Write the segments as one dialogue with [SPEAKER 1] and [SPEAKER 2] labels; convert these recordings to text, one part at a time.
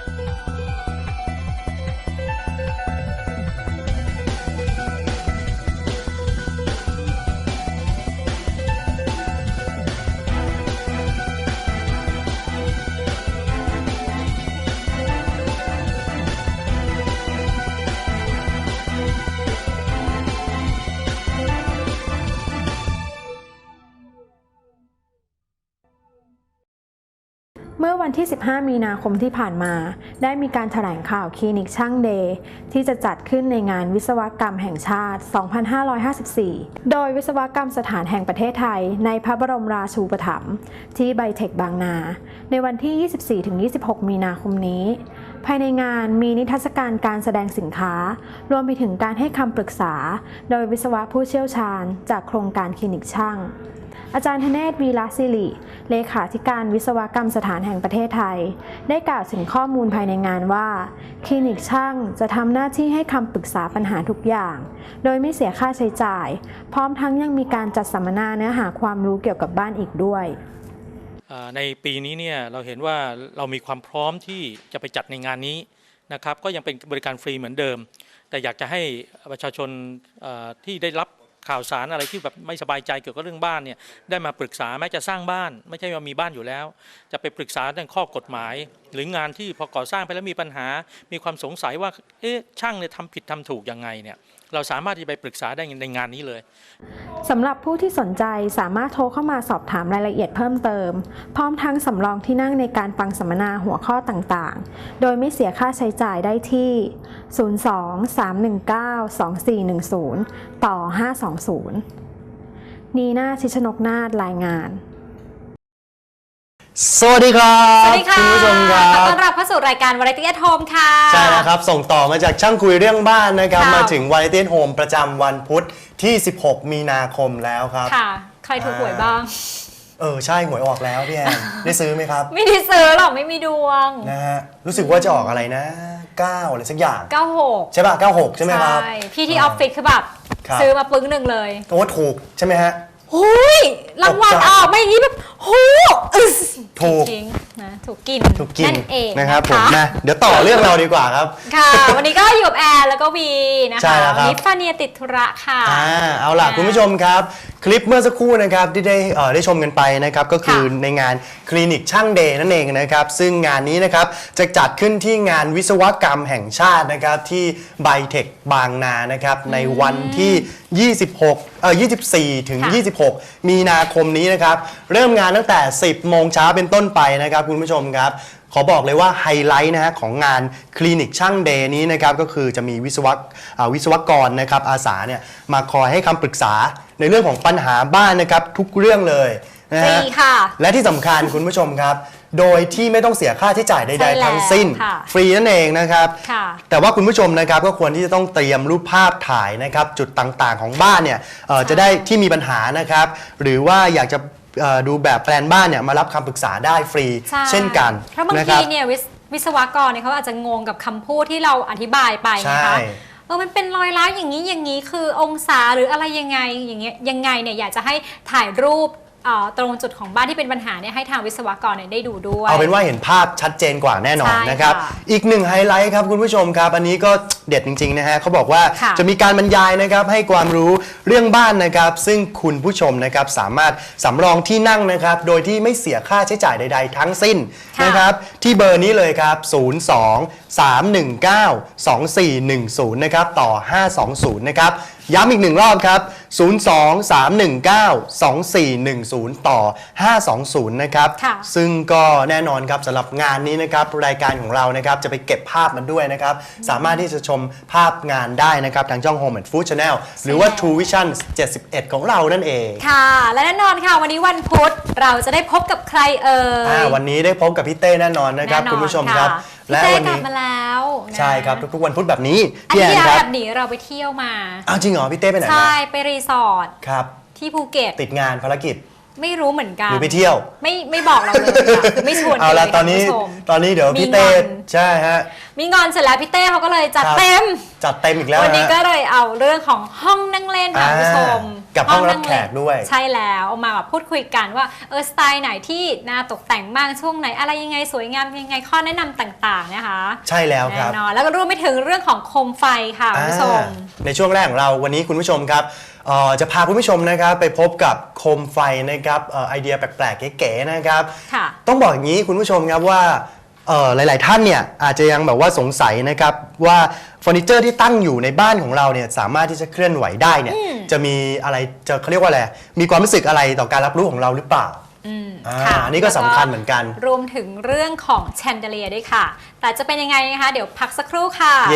[SPEAKER 1] เมื่อวันที่ 15 มีนาคมที่ผ่านมาได้มีการแถลงข่าวคลินิกช่างเดย์ที่จะจัดขึ้นในงานวิศวกรรมแห่งชาติ 2554 โดยวิศวกรรมสถานแห่งประเทศไทยในพระบรมราชูปถัมภ์ที่ไบเทคบางนาในวันที่ 24-26 มีนาคมนี้ภายในงานมีนิทรรศการการแสดงสินค้ารวมไปถึงการให้คำปรึกษาโดยวิศวะผู้เชี่ยวชาญจากโครงการคลินิกช่างอาจารย์ธเนศ วีระศิริเลขาธิการวิศวกรรมสถานแห่งประเทศไทยได้กล่าวถึงข้อมูลภายในงานว่าคลินิกช่างจะทำหน้าที่ให้คำปรึกษาปัญหาทุกอย่างโดยไม่เสียค่าใช้จ่ายพร้อมทั้งยังมีการจัดสัมมนาเนื้อหาความรู้เกี่ยวกับบ้านอีกด้วย
[SPEAKER 2] ในปีนี้เนี่ยเราเห็นว่าเรามีความพร้อมที่จะไปจัดในงานนี้นะครับก็ยังเป็นบริการฟรีเหมือนเดิมแต่อยากจะให้ประชาชนที่ได้รับข่าวสารอะไรที่แบบไม่สบายใจเกี่ยวกับเรื่องบ้านเนี่ยได้มาปรึกษาแม้จะสร้างบ้านไม่ใช่ว่ามีบ้านอยู่แล้วจะไปปรึกษาเรื่องข้อกฎหมายหรืองานที่พอก่อสร้างไปแล้วมีปัญหามีความสงสัยว่าช่างเนี่ยทำผิดทำถูกยังไงเนี่ยเราสามารถที่ไปปรึกษาได้ในงานนี้เลย
[SPEAKER 1] สำหรับผู้ที่สนใจสามารถโทรเข้ามาสอบถามรายละเอียดเพิ่มเติมพร้อมทั้งสำรองที่นั่งในการฟังสัมมนาหัวข้อต่างๆโดยไม่เสียค่าใช้จ่ายได้ที่ 02-319-2410 ต่อ 520 นีน่า ชิชนกนาฏรายงาน
[SPEAKER 3] สวัสดีครับ
[SPEAKER 4] สวัสดีค่ะ
[SPEAKER 3] คุณผู้ชมครับ
[SPEAKER 4] ขอต้อนรับเข้าสู่รายการ Variety at Home ค่ะ
[SPEAKER 3] ใช่แล้วครับส่งต่อมาจากช่างคุยเรื่องบ้านนะครับมาถึง Variety at Home ประจำวันพุธที่ 16 มีนาคมแล้วครับ
[SPEAKER 4] ค่ะใครถูกหวยบ้าง
[SPEAKER 3] ใช่หวยออกแล้วพี่แอนได้ซื้อไหมครับ
[SPEAKER 4] ไม่ได้ซื้อหรอกไม่มีดวง
[SPEAKER 3] นะฮะรู้สึกว่าจะออกอะไรนะ9อะไรสักอย่าง
[SPEAKER 4] 96
[SPEAKER 3] ใช่ป่ะ96ใช่ไหมครับ
[SPEAKER 4] ใช่พี่ที่ออฟฟิศคือแบบซื้อมาปึ้งหนึ่งเลย
[SPEAKER 3] โอ้ถูกใช่ไหมฮะ
[SPEAKER 4] หุยรางวัลออกไม่อย่างนี้แบบหู
[SPEAKER 3] ถูก
[SPEAKER 4] นะถูกกิน
[SPEAKER 3] นั่นเองนะครับผมนะเดี๋ยวต่อเรื่องเราดีกว่าครับ
[SPEAKER 4] ค่ะวันนี้ก็อยู่กับแอร์แล้วก็วีนะคะนิฟาเนียติดธุระค่ะ
[SPEAKER 3] เอาล่ะคุณผู้ชมครับคลิปเมื่อสักครู่นะครับที่ได้ชมกันไปนะครับก็คือในงานคลินิกช่างเดย์นั่นเองนะครับซึ่งงานนี้นะครับจะจัดขึ้นที่งานวิศวกรรมแห่งชาตินะครับที่ไบเทคบางนานะครับในวันที่24 ถึง 26 มีนาคมนี้นะครับเริ่มงานตั้งแต่ 10 โมงเช้าเป็นต้นไปนะครับคุณผู้ชมครับขอบอกเลยว่าไฮไลท์นะฮะของงานคลินิกช่างเดย์นี้นะครับก็คือจะมีวิศวกรนะครับอาสาเนี่ยมาคอยให้คำปรึกษาในเรื่องของปัญหาบ้านนะครับทุกเรื่องเลยนะฮะและที่สำคัญคุณผู้ชมครับโดยที่ไม่ต้องเสียค่าใช้จ่ายใดๆทั้งสิ้นฟรีนั่นเองนะครับแต่ว่าคุณผู้ชมนะครับก็ควรที่จะต้องเตรียมรูปภาพถ่ายนะครับจุดต่างๆของบ้านเนี่ยจะได้ที่มีปัญหานะครับหรือว่าอยากจะดูแบบแปลนบ้านเนี่ยมารับคำปรึกษาได้ฟรีเช่นกัน
[SPEAKER 4] เพราะบางทีเนี่ยวิศวกรเนี่ยเขาอาจจะงงกับคำพูดที่เราอธิบายไปนะคะมันเป็นรอยร้าวอย่างนี้คือองศาหรืออะไรยังไงอย่างเงี้ยยังไงเนี่ยอยากจะให้ถ่ายรูปตรงจุดของบ้านที่เป็นปัญหาเนี่ยให้ทางวิศวกรเนี่ยได้ดูด้วย
[SPEAKER 3] เอาเป็นว่าเห็นภาพชัดเจนกว่าแน่นอนนะครับอีกหนึ่งไฮไลท์ครับคุณผู้ชมครับอันนี้ก็เด็ดจริงๆนะฮะเขาบอกว่าจะมีการบรรยายนะครับให้ความรู้เรื่องบ้านนะครับซึ่งคุณผู้ชมนะครับสามารถสำรองที่นั่งนะครับโดยที่ไม่เสียค่าใช้จ่ายใดๆทั้งสิ้นนะครับที่เบอร์นี้เลยครับ02-319-2410นะครับต่อ520นะครับย้ำอีกหนึ่งรอบครับ02-319-2410ต่อ520นะครับซึ่งก็แน่นอนครับสำหรับงานนี้นะครับรายการของเรานะครับจะไปเก็บภาพมันด้วยนะครับสามารถที่จะชมภาพงานได้นะครับทางช่อง Home and Food Channel หรือว่า True Vision 71 ของเรานั่นเอง
[SPEAKER 4] ค่ะและแน่นอนค่ะวันนี้วันพุธเราจะได้พบกับใคร
[SPEAKER 3] วันนี้ได้พบกับพี่เต้แน่นอนนะครับคุณผู้ชมครับ
[SPEAKER 4] และวันนี้กลับมาแล้ว
[SPEAKER 3] ใช่ครับทุกๆวันพุธแบบนี้
[SPEAKER 4] พี่แอนครับแบบนี้เราไปเที่ยวมา
[SPEAKER 3] จริงเหรอพี่เต้ไปไหน
[SPEAKER 4] ใช่ไปรีสอร์ท
[SPEAKER 3] ครับ
[SPEAKER 4] ที่ภูเก็ต
[SPEAKER 3] ติดงานภารกิจ
[SPEAKER 4] ไม่รู้เหมือนกัน
[SPEAKER 3] หรือไปเที่ยว
[SPEAKER 4] ไม่บอกเราเลยค่ะคือไม่ชวน
[SPEAKER 3] เอาละ
[SPEAKER 4] กั
[SPEAKER 3] ตอนนี้
[SPEAKER 4] คุณผู้ชม
[SPEAKER 3] ตอนนี้เดี๋ยวพี่เต้
[SPEAKER 4] มีงอน
[SPEAKER 3] ใช่ฮะ
[SPEAKER 4] มีงอนเสร็จแล้วพี่เต้เขาก็เลยจัด
[SPEAKER 3] ครับ
[SPEAKER 4] เต็ม
[SPEAKER 3] จัดเต็มอีกแล้ว
[SPEAKER 4] วันนี้
[SPEAKER 3] ฮะ
[SPEAKER 4] ก็เลยเอาเรื่องของห้องนั่งเล่นค่ะคุณผู้ชม
[SPEAKER 3] กับห้องรับแขกด้วย
[SPEAKER 4] ใช่แล้วเอามาแบบพูดคุยกันว่าสไตล์ไหนที่น่าตกแต่งบ้างช่วงไหนอะไรยังไงสวยงามยังไงข้อแนะนำต่างๆนะคะ
[SPEAKER 3] ใช่แล้วครับ
[SPEAKER 4] แน่นอนแล้วก็รวมไปถึงเรื่องของโคมไฟค่ะคุณผู้ชม
[SPEAKER 3] ในช่วงแรกของเราวันนี้คุณผู้ชมครับจะพาคุณผู้ชมนะครับไปพบกับโคมไฟนะครับไอเดียแปลกๆเก๋ๆนะครับ
[SPEAKER 4] ค่ะ
[SPEAKER 3] ต้องบอกอย่างนี้คุณผู้ชมครับว่าหลายๆท่านเนี่ยอาจจะยังแบบว่าสงสัยนะครับว่าเฟอร์นิเจอร์ที่ตั้งอยู่ในบ้านของเราเนี่ยสามารถที่จะเคลื่อนไหวได้เนี่ยจะมีอะไรจะเขาเรียกว่าอะไรมีความรู้สึกอะไรต่อการรับรู้ของเราหรือเปล่า
[SPEAKER 4] ค่ะ
[SPEAKER 3] อันนี้ก็สำคัญเหมือนกัน
[SPEAKER 4] รวมถึงเรื่องของแชนเดเลียด้วยค่ะ แต่จะเป็นยังไงนะคะ เดี๋ยวพักสักครู่ค่ะ
[SPEAKER 3] เย่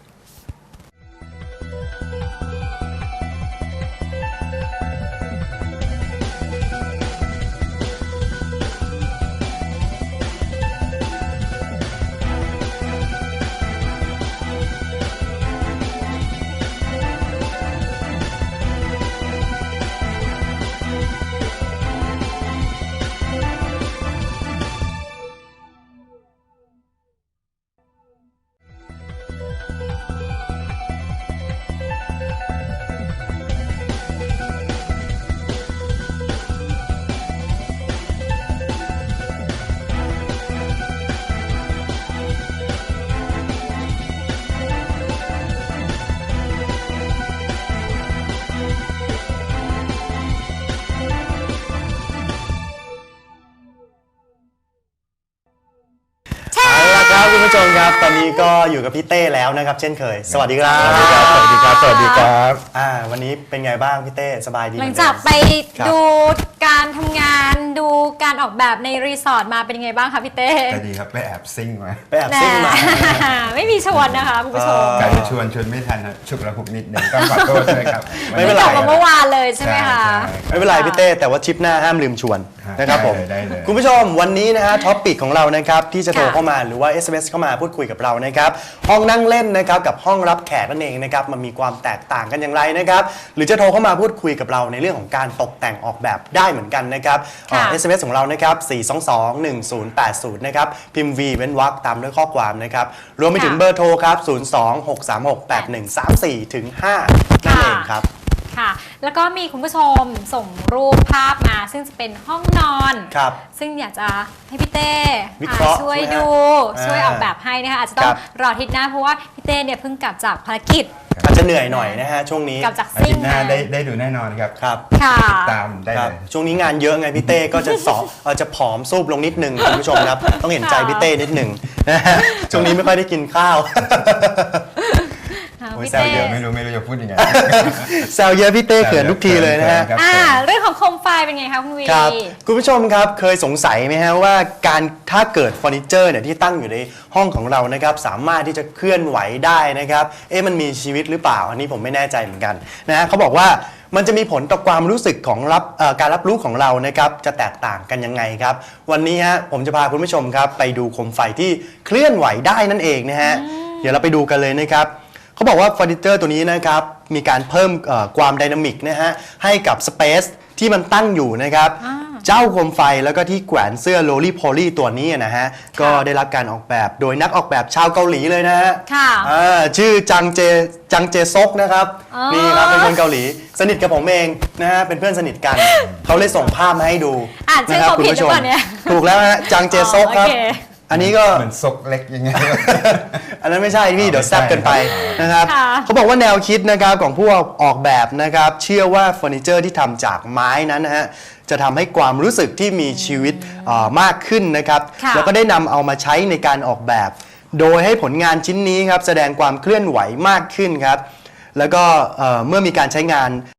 [SPEAKER 3] ครับคุณผู้ชมครับตอนนี้ก็อยู่กับพี่เต้แล้วนะครับเช่นเคย สวัสดีครับ
[SPEAKER 5] สวัสดีครับ สวัสดีครับ สวัสดีครับ
[SPEAKER 3] วันนี้เป็นไงบ้างพี่เต้สบายดี
[SPEAKER 4] หลังจากไป
[SPEAKER 3] ครับ
[SPEAKER 4] ดูการทำงานดูการออกแบบในรีสอร์ทมาเป็นยังไงบ้างคะพี่เต้
[SPEAKER 5] ก็ดีครับ ไปแอบซิ่งมา
[SPEAKER 3] ไปแอบซิ่งมา
[SPEAKER 4] ไม่มีชวนนะคะคุณผู้ชม
[SPEAKER 5] การจะชวนไม่ทันนะฉุกระหุกนิดนึงต้องขอโทษด้วยครับ
[SPEAKER 3] ไม่เป็นไร
[SPEAKER 4] กลับมาเมื่อวานเลยใช่ไหมคะ
[SPEAKER 3] ไม่เป็นไรพี่เต้แต่ว่าทริปหน้าห้ามลืมชวนนะครับผม
[SPEAKER 5] ได้เลย
[SPEAKER 3] คุณผู้ชมวันนี้นะฮะท็อปปิกของเรานะครับที่จะโทรเข้ามาหรือว่า SMS เข้ามาพูดคุยกับเรานะครับห้องนั่งเล่นนะครับกับห้องรับแขกนั่นเองนะครับมันมีความแตกต่างกันอย่างไรนะครับหรือจะโทรเข้ามาพูดคุยกับเราในเรื่องของการตกแต่งออกแบบได้เหมือนกันนะครับ
[SPEAKER 4] ค่ะ
[SPEAKER 3] SMS ของเรานะครับ4221080นะครับพิมพ์ V เว้นวรรคตามด้วยข้อความนะครับรวมไปถึงเบอร์โทรครับ026368134ถึง5นั่นเองครับ
[SPEAKER 4] ค่ะ แล้วก็มีคุณผู้ชมส่งรูปภาพมาซึ่งจะเป็นห้องนอน
[SPEAKER 3] ครับ
[SPEAKER 4] ซึ่งอยากจะให้พี่เต้
[SPEAKER 3] วิเคราะห์
[SPEAKER 4] ช่วย
[SPEAKER 3] ใช่ไหมฮะ
[SPEAKER 4] ดู
[SPEAKER 3] อ่า
[SPEAKER 4] ช่วยออกแบบให้นะคะอาจจะต้อ
[SPEAKER 3] ค
[SPEAKER 4] ง
[SPEAKER 3] รับ
[SPEAKER 4] รออาทิตย์หน้าเพราะว่าพี่เต้เนี่ยเพิ่งกลับจากภารกิจ
[SPEAKER 3] อาจจะเหนื่อยหน่อยนะฮะช่วงนี้
[SPEAKER 4] กลับจาก
[SPEAKER 5] อา
[SPEAKER 4] ซิ่
[SPEAKER 5] ทิ
[SPEAKER 4] ง
[SPEAKER 5] ตย์หน้า
[SPEAKER 4] มา
[SPEAKER 5] ได้ดูแน่นอนครับ
[SPEAKER 3] ครับ
[SPEAKER 4] ค่ะ
[SPEAKER 5] ติดตามได้
[SPEAKER 3] ครับ
[SPEAKER 5] เลย
[SPEAKER 3] ช่วงนี้งานเยอะไงพี่เต้ก็จะจะผอมซูบลงนิดนึงคุณผู้ชมครับ ต้องเห็นใจพี่เต้นิดนึงนะฮะช่วงนี้ไม่ค่อยได้กินข้าว
[SPEAKER 5] โอ้ย
[SPEAKER 4] พี่
[SPEAKER 5] แซว
[SPEAKER 4] เต้
[SPEAKER 5] เยอะไม่รู้จะพูดยังไง
[SPEAKER 3] แซวเยอะพี่เต้เขินทุกทีเลยนะฮะ
[SPEAKER 5] ครับ
[SPEAKER 4] เรื่องของโคมไฟเป็นไงคะคุณวี
[SPEAKER 3] ครับคุณผู้ชมครับเคยสงสัยไหมฮะว่าการถ้าเกิดเฟอร์นิเจอร์เนี่ยที่ตั้งอยู่ในห้องของเรานะครับสามารถที่จะเคลื่อนไหวได้นะครับมันมีชีวิตหรือเปล่าอันนี้ผมไม่แน่ใจเหมือนกันนะฮะเขาบอกว่ามันจะมีผลต่อความรู้สึกของการรับรู้ของเรานะครับจะแตกต่างกันยังไงครับวันนี้ฮะผมจะพาคุณผู้ชมครับไปดูโคมไฟที่เคลื่อนไหวได้นั่นเองนะฮะเดี๋ยวเราไปดูกันเลยนะครับเขาบอกว่าเฟอร์นิเจอร์ตัวนี้นะครับมีการเพิ่มความไดนามิกนะฮะให้กับสเปซที่มันตั้งอยู่นะครับเจ้าโคมไฟแล้วก็ที่แขวนเสื้อโรลี่โพลี่ตัวนี้นะฮะก็ได้รับการออกแบบโดยนักออกแบบชาวเกาหลีเลยนะฮะ
[SPEAKER 4] ค่ะ
[SPEAKER 3] ชื่อจังเจซกนะครับ
[SPEAKER 4] อ๋อ
[SPEAKER 3] นี่ครับเป็นคนเกาหลีสนิทกับผมเองนะฮะเป็นเพื่อนสนิทกัน เขาเลยส่งภาพมาให้ดู
[SPEAKER 4] อ่านชื่อ
[SPEAKER 3] นะครั
[SPEAKER 4] เขาผิดหรือเปล่าเนี่ย
[SPEAKER 3] ถูกแล้วฮะจังเจซกครับ
[SPEAKER 4] โอเค
[SPEAKER 3] อันนี้ก็
[SPEAKER 5] เหมือนซกเล็กยังไง
[SPEAKER 3] อันนั้นไม่ใช่พี่เดี๋ยว
[SPEAKER 5] ไม่
[SPEAKER 3] แซ
[SPEAKER 5] ใช่
[SPEAKER 3] บเกินไปนะครับ
[SPEAKER 4] ค่ะ
[SPEAKER 3] เขาบอกว่าแนวคิดนะครับของผู้ออกแบบนะครับเชื่อว่าเฟอร์นิเจอร์ที่ทำจากไม้นั้นนะฮะจะทำให้ความรู้สึกที่มีชีวิตมากขึ้นนะครับ
[SPEAKER 4] ค่ะ
[SPEAKER 3] แล้วก็ได้นำเอามาใช้ในการออกแบบ โดยให้ผลงานชิ้นนี้ครับแสดงความเคลื่อนไหวมากขึ้นครับแล้วก็เมื่อมีการใช้งาน